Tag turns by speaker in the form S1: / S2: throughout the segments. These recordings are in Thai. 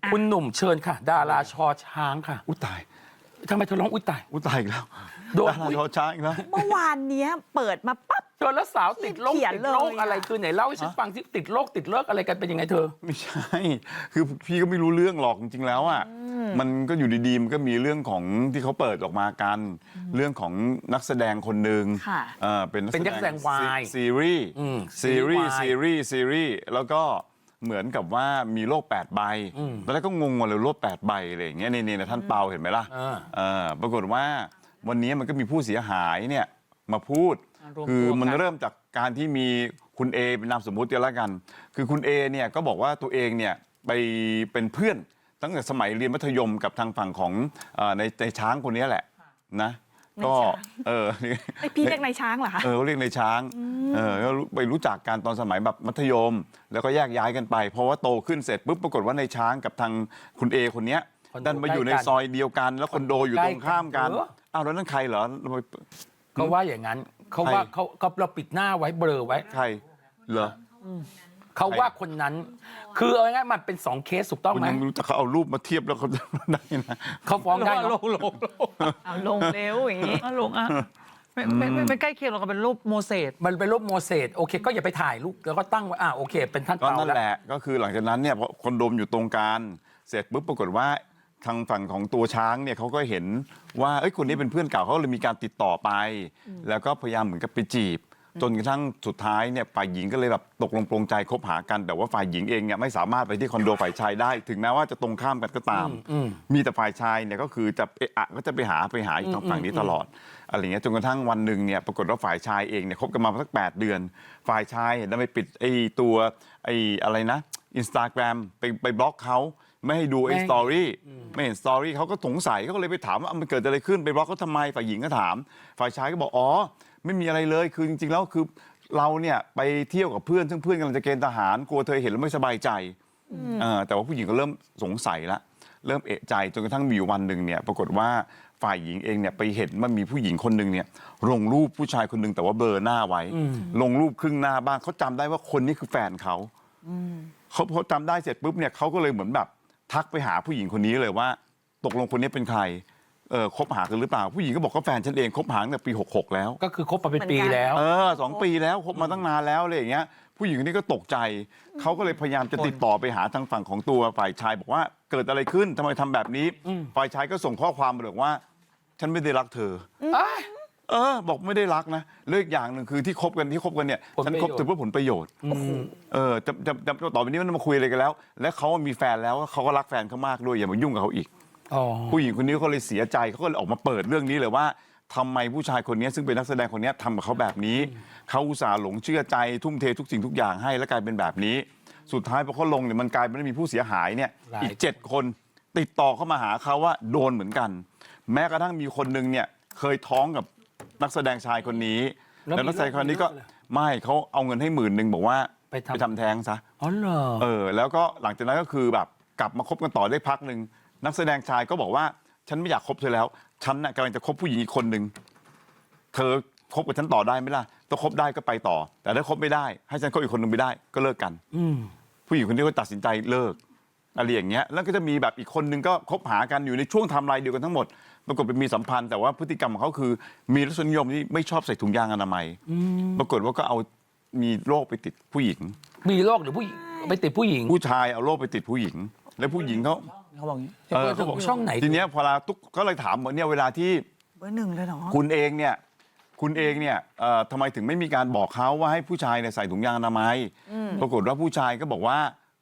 S1: คุณหนุ่มเชิญค่ะ ดาราชอช้างค่ะ
S2: อุ้ยตาย
S1: ทำไมเธอร้องอุ้ยตาย
S2: อุ้ยตายอีกแล้ว
S1: โดน
S2: ดาราชอช้างอีกแล้ว
S3: เมื่อวานเนี้ยเปิดมาปั๊บ
S1: เธอแล้วสาวติดโรค
S3: เขียน
S1: ติด
S3: เลย
S1: โรคอะไร
S3: อะ
S1: คือไหนเล่าให้ฉันฟังที่ติดโรคติดเลิกอะไรกันเป็นยังไงเธอ
S2: ไม่ใช่ คือพี่ก็ไม่รู้เรื่องหรอกจริงๆแล้วอ่ะมันก็อยู่ดีๆมันก็มีเรื่องของที่เขาเปิดออกมากัน เรื่องของนักแสดงคนหนึ่ง
S3: ค่ะ
S2: เป็นนัก
S1: เป็นนักแสดงวาย
S2: ซีรีส์ ซีรีส์
S1: วาย
S2: ซีรีส์แล้วก็เหมือนกับว่ามีโรค8ใบตอนแรกก็งงว่าเลยโรค8ใบอะไรอย่างเงี้ยนี่ท่านเปาเห็นไหมล่ะปรากฏว่าวันนี้มันก็มีผู้เสียหายเนี่ยมาพูด คือมันเริ่มจากการที่มีคุณเอเป็นนามสมมุติกันแล้วกัน คือคุณเอเนี่ยก็บอกว่าตัวเองเนี่ยไปเป็นเพื่อนตั้งแต่สมัยเรียนมัธยมกับทางฝั่งของในช้างคนนี้แหละนะก็
S3: ไอพี่เรียกนายช้างเหรอคะ
S2: เรียกในช้างก็ไปรู้จักกันตอนสมัยแบบมัธยม แล้วก็แยกย้ายกันไปเพราะว่าโตขึ้นเสร็จปุ๊บปรากฏว่าในช้างกับทางคุณเอคนนี้ดันมาอยู่ในซอยเดียวกัน แล้วคอนโดอยู่ตรงข้ามกันอ้าวแล้วนั่นใครเหรอ
S1: ก็ว่าอย่างนั้นเขาว่าเขาเราปิดหน้าไว้เบลอไว้
S2: ใครเหรอ
S1: เขาว่าคนนั้น คือเอาง่ายๆมันเป็น2เคสถูกต้องไหม
S2: ยังไม่รู้แต่เขาเอารูปมาเทียบแล้วเขาจะได้นะ
S1: เขาฟ้องได้
S4: ล
S1: เนาะ
S4: ง
S3: เอาลงเร็วอย่างนี้
S4: ลงอ่ะไม่ใกล้เคียงหรอกเป็นรูปโมเสส
S1: มันเป็นรูปโมเสสโอเคก็อย่าไปถ่ายรูปแล้วก็ตั้งไว้โอเค เป็นท่าน
S2: ก็
S1: เปา
S2: นั่น
S1: แล้ว
S2: แหละก็คือหลังจากนั้นเนี่ยพอคอนโดมอยู่ตรงกลางเสร็จปุ๊บปรากฏว่าทางฝั่งของตัวช้างเนี่ยเขาก็เห็นว่าคนนี้เป็นเพื่อนเก่าเขาเลยมีการติดต่อไป แล้วก็พยายามเหมือนกับไปจีบ จนกระทั่งสุดท้ายเนี่ยฝ่ายหญิงก็เลยแบบตกลงปลงใจคบหากัน แต่ว่าฝ่ายหญิงเองเนี่ยไม่สามารถไปที่คอนโดฝ่ายชายได้ ถึงแม้ว่าจะตรงข้ามกันก็ตาม มีแต่ฝ่ายชายเนี่ยก็คือจะก็จะไปหาอีกทางฝั่งนี้ตลอดอะไรเงี้ยจนกระทั่งวันหนึ่งเนี่ยปรากฏว่าฝ่ายชายเองเนี่ยคบกันมาสัก8 เดือน ฝ่ายชายเห็นแล้วไปปิดตัวอะไรนะ Instagram ไปบล็อกเขาไม่ให้ดูสตอรี่ไม่เห็นสตอรี่เขาก็สงสัยเขาก็เลยไปถามว่ามันเกิดอะไรขึ้นไปบล็อกเขาทำไมฝ่ายหญิงก็ถาม ฝ่ายชายก็บอกไม่มีอะไรเลยคือจริงๆแล้วคือเราเนี่ยไปเที่ยวกับเพื่อนซึ่งเพื่อนกำลังจะเกณฑ์ทหารกลัวเธอเห็นแล้วไม่สบายใจแต่ว่าผู้หญิงก็เริ่มสงสัยละเริ่มเอะใจจนกระทั่งมีอยู่วันหนึ่งเนี่ยปรากฏว่าฝ่ายหญิงเองเนี่ยไปเห็นว่ามีผู้หญิงคนหนึ่งเนี่ยลงรูปผู้ชายคนหนึ่งแต่ว่าเบลอหน้าไว้ลงรูปครึ่งหน้าบ้างเขาจำได้ว่าคนนี้คือแฟนเขาเขาจำได้เสร็จปุ๊บเนี่ยเขาก็เลยเหมือนแบบทักไปหาผู้หญิงคนนี้เลยว่าตกลงคนนี้เป็นใครคบหากันหรือเปล่าผู้หญิงก็บอกก็แฟนฉันเองคบหาตั้งแต่ปี66แล้ว
S1: ก็คือคบมาเป็นปีแล้ว
S2: 2 ปีแล้วคบมาตั้งนานแล้วอะไรอย่างเงี้ยผู้หญิงคนนี้ก็ตกใจเขาก็เลยพยายามจะติดต่อไปหาทางฝั่งของตัวฝ่ายชายบอกว่าเกิดอะไรขึ้นทำไมทำแบบนี้ฝ่ายชายก็ส่งข้อความมาบอกว่าฉันไม่ได้รักเธอบอกไม่ได้รักนะเลิกอย่างหนึ่งคือที่คบกันเนี่ยฉันคบเธอเพื่อผลประโยชน์จะต่อไปนี้มันมาคุยอะไรกันแล้วและเขามีแฟนแล้วเขาก็รักแฟนเขามากด้วยอย่ามายุ่งกับเขาอีกผู้หญิงคนนี้เขาเลยเสียใจเขาก็เลยออกมาเปิดเรื่องนี้เลยว่าทำไมผู้ชายคนนี้ซึ่งเป็นนักแสดงคนนี้ทำกับเขาแบบนี้เขาอุตส่าห์หลงเชื่อใจทุ่มเททุกสิ่งทุกอย่างให้แล้วกลายเป็นแบบนี้สุดท้ายพอเขาลงเนี่ยมันกลายเป็นมีผู้เสียหายเนี่ยอีก7 คนติดต่อเข้ามาหาเขาว่าโดนเหมือนกันแม้กระทั่งมีคนนึงเนี่ยเคยท้องกับนักแสดงชายคนนี้แล้วนักแสดงคนนี้ก็ไม่เขาเอาเงินให้10,000บอกว่าไปทำแท้งซะแล้วก็หลังจากนั้นก็คือแบบกลับมาคบกันต่อได้พักหนึ่งนักแสดงชายก็บอกว่าฉันไม่อยากคบเธอแล้วฉันน่ะกำลังจะคบผู้หญิงอีกคนหนึ่งเธอคบกับฉันต่อได้ไหมล่ะถ้าคบได้ก็ไปต่อแต่ถ้าคบไม่ได้ให้ฉันคบอีกคนหนึ่งไม่ได้ก็เลิกกันผู้หญิงคนนี้ก็ตัดสินใจเลิกอะไรอย่างเงี้ยแล้วก็จะมีแบบอีกคนหนึ่งก็คบหากันอยู่ในช่วงไทม์ไลน์เดียวกันทั้งหมดปรากฏเป็นมีสัมพันธ์แต่ว่าพฤติกรรมของเขาคือมีรสนิยมที่ไม่ชอบใส่ถุงยางอนามัยปรากฏว่าก็เอามีโรคไปติดผู้หญิง
S1: มีโรคหรือผู้หญิงไปติดผู้หญิง
S2: ผู้ชายเอาโรคไปติดผู้หญิงแล้วผู้หญิงเขา
S4: บอกอย่างนี้
S1: เขาบอกช่องไหน
S2: ทีเนี้ยพอเราตุ๊กก็เลยถามว่าเนี่ยเวลาที่
S3: เบอร์ 1เลยเหรอ
S2: คุณเองเนี่ยทำไมถึงไม่มีการบอกเขาว่าให้ผู้ชายเนี่ยใส่ถุงยางอนามัยปรากฏว่าผู้ชายก็บอกว่า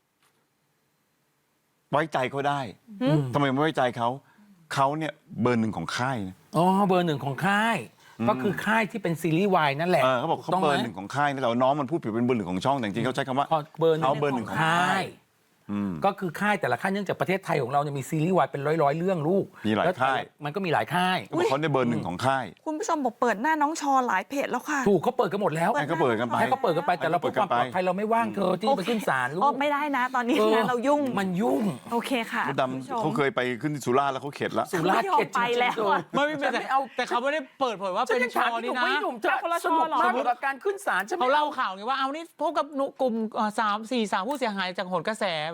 S2: ไว้ใจเขาได้ทำไมไม่ไว้ใจเขาเนี่ยเบอร์ 1ของค่าย
S1: เบอร์ 1ของค่ายก็คือค่ายที่เป็นซีรีส์วายนั่นแหละ
S2: เขาบอกเขาเบอร์ 1ของค่ายแต่น้องมันพูดผิดเป็นเบอร์ 1ของช่องแต่จริงๆเขาใช้คำว่า
S1: เบอร์
S2: 1ของค่าย
S1: ก็คือค่ายแต่ละค่ายเนื่องจากประเทศไทยของเราเนี่ยมีซีรีส์วายเป็นร้อยเรื่องลูก
S2: มีหลายค่าย
S1: มันก็มีหลายค่าย
S2: เขาเนี่ยเบอร์ 1ของค่าย
S3: คุณผู้ชมบอกเปิดหน้าน้องชอหลายเพจแล้วค่ะ
S1: ถูกเขาเปิดกันหมดแล้ว
S2: ให้เขาเปิดกันไป
S1: แต่เราเพื่อความปลอดภัยเราไม่ว่างเธอที่ไปขึ้นศาลลูก
S3: ไม่ได้นะตอนนี้นะเรายุ่ง
S1: มันยุ่ง
S3: โอเคค่ะ
S2: ดำเขาเคยไปขึ้นสุราษฎร์แล้วเขาเข็ดแล้ว
S1: สุราษฎร์เข็ด
S3: ไปแล้ว
S4: แต่เขาไม่ได้เปิดเผยว่าเป็นชอนี่นะ
S1: สนุกมากกับการขึ้นศาล
S4: เขาเล่าข่าวไงว่าเอานี่พบกับกลุ่ม3-4 สาวผู้เสียหายจากโหนกระแส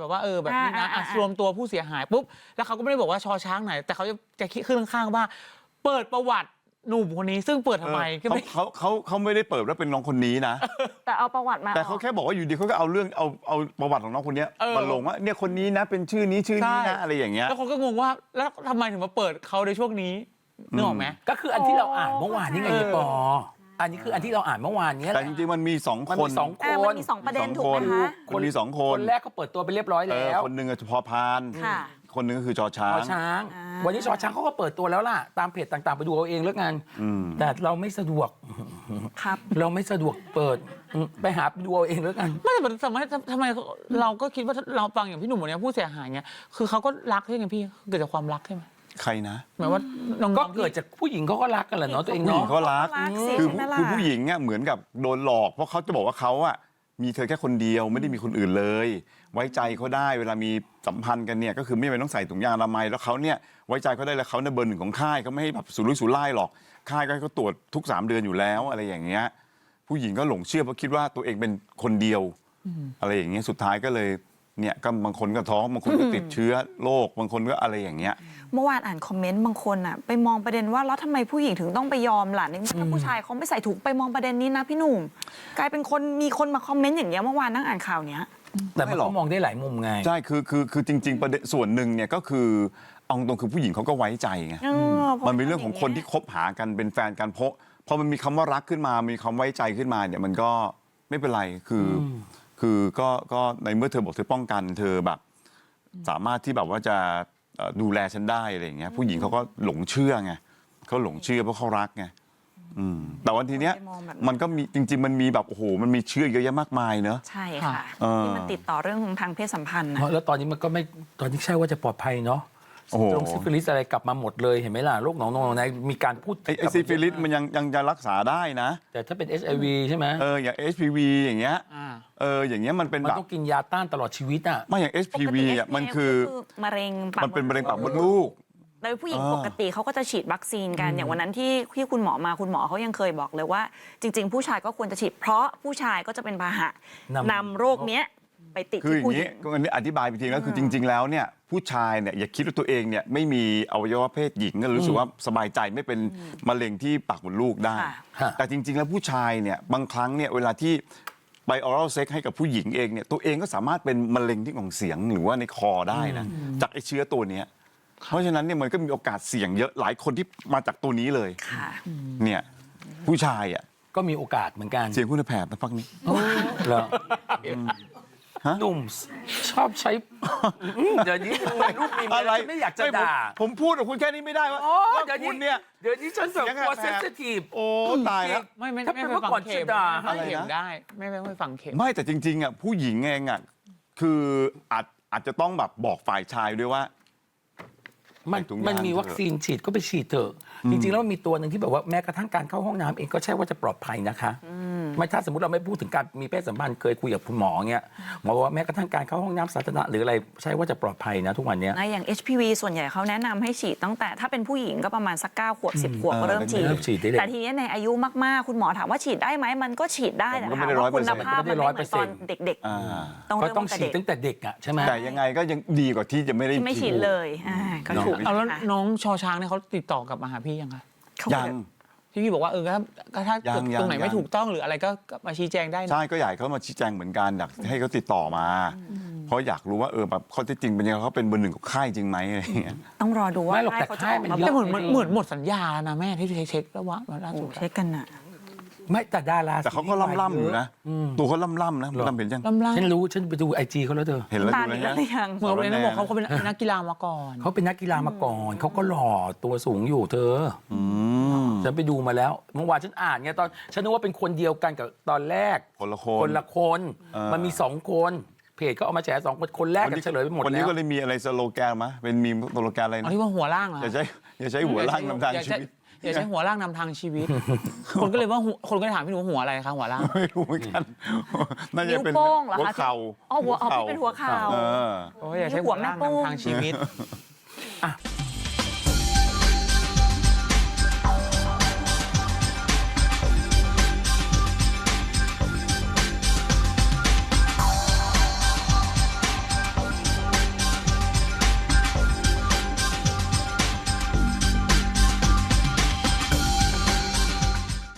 S4: แบบว่าแบบนี้นะรวมตัวผู้เสียหายปุ๊บแล้วเขาก็ไม่ได้บอกว่าชอช้างไหนแต่เขาจะคิดขึ้นข้างๆว่าเปิดประวัติหนุ่มคนนี้ซึ่งเปิดทำไมก็ไม่
S2: เขาไม่ได้เปิดว่าเป็นน้องคนนี้นะ
S3: แต่เอาประวัติมา
S2: แต่เขาแค่บอกว่าอยู่ดีเขาก็เอาเรื่องเอาประวัติของน้องคนนี้มาลงว่าเนี่ยคนนี้นะเป็นชื่อนี้นะอะไรอย่างเงี้ย
S4: แล้วคนก็งงว่าแล้วทำไมถึงมาเปิดเขาในช่วงนี้นึกออกไหม
S1: ก็คืออันที่เราอ่านเมื่อวานนี่ไงพี่ปออันนี้คืออันที่เราอ่านเมื่อวานนี้แห
S2: แต่
S1: ละ
S2: จริงๆมันมี2
S1: มัน
S2: คน
S1: มี2 คน
S3: มันมี2ประเด็นถูกไหมคะ
S2: มันมี2 คน
S1: คนแรกก็เปิดตัวไปเรียบร้อยแล้ว
S2: คนหนึ่งพอพาน
S3: ค่ะ
S2: คนหนึ่งก็คือชอช้า
S1: ชอง ช้าง วันนี้ชอช้างเขาก็เปิดตัวแล้วล่ะตามเพจต่างๆไปดูเอาเองแล้วกันแต่เราไม่สะดวก
S3: ครับ
S1: เราไม่สะดวกเปิดไปหาดูเอาเองแล้วกัน
S4: ไม่แต่ทำไมเราก็คิดว่าเราฟังอย่างพี่หนุ่มวันนี้ผู้เสียหายเนี่ยคือเขาก็รักใช่ไหมพี่เกิดจากความรักใช่ไหม
S2: ใครนะ
S4: หมายว่าน้องๆ
S1: ก็เกิดจากผู้หญิงเขาก็รักกันแหละเนาะตัวเอง
S2: ผู้หญิง
S1: เนาะ
S2: เขารัก
S3: สิ
S2: คือ
S3: ใช่ไหมล่ะ
S2: คือผู้หญิงเนี่ยเหมือนกับโดนหลอกเพราะเขาจะบอกว่าเขาอะมีเธอแค่คนเดียวไม่ได้มีคนอื่นเลย ไว้ใจเขาได้เวลามีสัมพันธ์กันเนี่ยก็คือไม่จำเป็นต้องใส่ถุงยางอนามัยแล้วเขาเนี่ยไว้ใจเขาได้แล้วเขาเนี่ยเบอร์ 1ของค่ายเขาไม่ให้แบบสุรุ่ยสุร่ายหรอกค่ายก็ให้เขาตรวจทุก3 เดือนอยู่แล้วอะไรอย่างเงี้ยผู้หญิงก็หลงเชื่อเพราะคิดว่าตัวเองเป็นคนเดียวอะไรอย่างเงี้ยสุดท้ายก็เลยเนี่ยก็บางคนก็ท้องบางคนก็ติดเชื้อโรคบางคนก็อะไรอย่างเงี้ย
S3: เมื่อวานอ่านคอมเมนต์บางคนอ่ะไปมองประเด็นว่าแล้วทำไมผู้หญิงถึงต้องไปยอมล่ะในเมื่อถ้าผู้ชายเขาไม่ใส่ถุงไปมองประเด็นนี้นะพี่หนุ่มกลายเป็นคนมีคนมาคอมเมนต์อย่างเงี้ยเมื่อวานนั่งอ่านข่าวเนี้ย
S1: แต่มันก็มองได้หลายมุมไง
S2: ใช่คือจริง ๆ ประเด็นส่วนหนึ่งเนี่ยก็คือเอาตรงคือผู้หญิงเขาก็ไว้ใจไง มันเป็นเรื่องของคนที่คบหากันเป็นแฟนกันเพราะพอมันมีคำว่ารักขึ้นมามีคำไว้ใจขึ้นมาเนี่ยมันก็ไม่เป็นไรคือก็ในเมื่อเธอบอกเธอป้องกันเธอแบบสามารถที่แบบว่าจะดูแลฉันได้อะไรอย่างเงี้ยผู้หญิงเขาก็หลงเชื่อไงเขาหลงเชื่อเพราะเขารักไงแต่วันทีเนี้ยมันก็มีจริงๆมันมีแบบโอ้โหมันมีเชื่อเยอะแยะมากมายเนอะ
S3: ใช่ค่ะ ที่มันติดต่อเรื่องของทางเพศสัมพันธ์นะ
S1: แล้วตอนนี้มันก็ไม่ตอนนี้ใช่ว่าจะปลอดภัยเนาะ
S2: โอ้โห
S1: ตรงซิฟิลิสอะไรกลับมาหมดเลยเห็นไหมล่ะโรคหนองในมีการพูด
S2: ไอ้ซิฟิลิสมันยังจะรักษาได้นะ
S1: แต่ถ้าเป็น HIV ใช่ไหม
S2: อย่าง HPV อย่างเงี้ยอย่างเงี้ยมันเป็น
S1: มัน
S2: แบบ
S1: ต้องกินยาต้านตลอดชีวิตอ่ะ
S2: ไม่อย่าง HPV อ่ะมันคือ
S3: มะเร็งปาก
S2: มันเป็นมะเร็งปากมดลูก
S3: โดยผู้หญิงปกติเขาก็จะฉีดวัคซีนกันอย่างวันนั้นที่คุณหมอมาคุณหมอเขายังเคยบอกเลยว่า จริง ๆ ผู้ชายก็ควรจะฉีดเพราะผู้ชายก็จะเป็นพาหะนำโรคเนี้ยไปติด
S2: คือ
S3: ที่
S2: อย่าง
S3: ผู้หญิ
S2: นี้
S3: ง
S2: ก็อันนี้อธิบายไปทีแล้วคือจริง ๆ แล้วเนี่ยผู้ชายเนี่ยอย่าคิดว่าตัวเองเนี่ยไม่มีอวัยวะเพศหญิงก็รู้สึกว่าสบายใจไม่เป็นมะเร็งที่ปากมดลูกได้
S1: ค่ะ
S2: แต่จริง ๆ แล้วผู้ชายเนี่ยบางครั้งเนี่ยเวลาที่ไปออรัลเซ็กให้กับผู้หญิงเองเนี่ยตัวเองก็สามารถเป็นมะเร็งที่ของเสียงหรือว่าในคอได้นะจากไอ้เชื้อตัวเนี้ยเพราะฉะนั้นเนี่ยมันก็มีโอกาสเสี่ยงเยอะหลายคนที่มาจากตัวนี้เลย
S3: ค่ะ
S2: เนี่ยผู้ชายอ่ะ
S1: ก็มีโอกาสเหมือนกัน
S2: เสียงคุณแผบนะพักนี้
S1: เหรอหนุ่มชอบใช้เดี๋ยวนี้รูปมี
S2: อะไร
S1: ไม่อยากจะด่า
S2: ผมพูดกับคุณแค่นี้ไม่ได้ว่า
S1: โอ้
S2: ว่า
S1: เดี๋ยว
S2: คุณ
S1: นี้
S2: เนี่ย
S1: เดี๋ยวนี้ฉันแบบกลัวเซนซิทีฟ
S2: โอ้ตายแล้ว
S4: ไม่
S1: ถ้าเป็น
S4: ไป
S1: เมื่อ
S4: ฟัง
S1: ก่อน
S4: เข็ม
S1: จะด่า
S4: ไม่เข็มได้ไม่ฟังเข็ม
S2: ไม่แต่จริงๆอ่ะผู้หญิงเองอ่ะคืออาจจะต้องแบบบอกฝ่ายชายด้วยว่า
S1: มัน
S2: ใส่ถุงยาง
S1: มันมีวัคซีนฉีดก็ไปฉีดเถอะจริงๆแล้วมันมีตัวหนึ่งที่แบบว่าแม้กระทั่งการเข้าห้องน้ำเองก็ใช่ว่าจะปลอดภัยนะคะไม่ถ้าสมมติเราไม่พูดถึงการมีเพศสัมพันธ์เคยคุยกับคุณหมอเงี้ยหมอบอกว่าแม้กระทั่งการเข้าห้องน้ำสาธารณะหรืออะไรใช่ว่าจะปลอดภัยนะทุกวันเนี้ย
S3: นะอย่าง HPV ส่วนใหญ่เขาแนะนำให้ฉีดตั้งแต่ถ้าเป็นผู้หญิงก็ประมาณสัก9 ขวบ 10 ขวบก็เริ่มฉีด
S1: เริ่มฉีดได้เลย
S3: แต่ทีนี้ในอายุมากๆ คุณหมอถามว่าฉีดได้ไหมมันก็ฉีดได้แต่
S2: มันก็
S3: ถา
S2: ไม่
S3: ม
S2: ได้
S3: ว่าคุณ
S2: 100%
S3: ภาพมันไม่เหมือนตอนเด็ก
S2: อ่า
S3: ๆ ต้อง
S1: ก็
S3: เริ่ม
S1: ต้อง
S3: ตั้ง
S1: ฉี
S3: แต่
S1: ด
S3: เด็ก
S1: ตั้งแต่เด็กอ่ะใช่ไหม
S2: แต่ยังไงก็ยังดีกว่าที่จะไม่ได้
S3: ที่ไม่ฉีดเลยก็ถูก
S4: เอาแล้ว
S3: นะคะ
S4: น้องชอช้างเนี่ยเขาติดต่อกลับมาหาพี่ยังคะ
S2: ยัง
S4: ที่พี่บอกว่าถ้า
S2: ยัง
S4: ตรงไหน
S2: ยัง
S4: ไม่ถูกต้องหรืออะไรก็มาชี้แจงได้นะ
S2: ใช่ก็อยากให้เขามาชี้แจงเหมือนกันอยากให้เขาติดต่อมา เพราะอยากรู้ว่าแบบข้อเท็จจริงเป็นยังไงเขาเป็นเบอร์ 1ของค่ายจริงไหมอะไรอย่างเงี้ย
S3: ต้องรอดูว่า
S1: ไม่หรอกแต่
S3: เขาจะ
S1: ค่าย
S3: ออก
S1: มัน
S3: มา
S1: เยอะ
S4: แต่เหมือนหมดสัญญาแล้วนะแม่ที่เช็คแล้วว่าล่าสุด
S3: เช็คกันน่ะ
S1: ไม่แต่ดารา
S2: แต่เขาก็ล่ำๆอยู่นะตัวเขาล่ำๆนะผมทำเห็นยัง
S4: ล่ำ
S1: ฉันรู้ฉันไปดูไอจีเขาแล้วเธอ
S2: เห็นแล้ว
S3: ตา
S2: ดู
S3: ดี
S2: นะ
S3: แล้วหรือยัง
S4: เหมือนวันนี้บอกเขาเป็นนักกีฬามาก่อน
S1: เขาเป็นนักกีฬามาก่อนเขาก็หล่อตัวสูงอยู่เธอฉันไปดูมาแล้วเมื่อวานฉันอ่านไงตอนฉันนึกว่าเป็นคนเดียวกันกับตอนแรก
S2: คนละค
S1: คน นละคนมันมี2 คนเพจก็เอามาแฉ2 คนแรกกันเฉลยไปหมด
S2: วันนี้
S1: แล้ว
S2: ก็เลยมีอะไรสโลแกนมะเป็นมีสโลแกนอะไร
S4: เอา
S2: นะ
S4: ที่ว่าหัวล่างเหรอ
S2: อย่าใช้หัวล่างนำทางชีวิต
S4: อย่าใช้หัวล่างนำทางชีวิต คนก็เลยว่าคนก็เลยถามพี่หนูว่าหัวอะไรคะหัวล่าง
S2: ไม่รู้เหมือนกันน่าจะ
S3: นิ้ว
S2: เป็น
S3: โป้งเหรอ
S2: หัว
S3: คะ
S2: เข่า
S3: อ๋อหัวพี่เป็นหัวเข่า
S2: เออ
S4: โอ้ยอย่าใช้หัวล่างนำทางชีวิต
S1: อ่ะ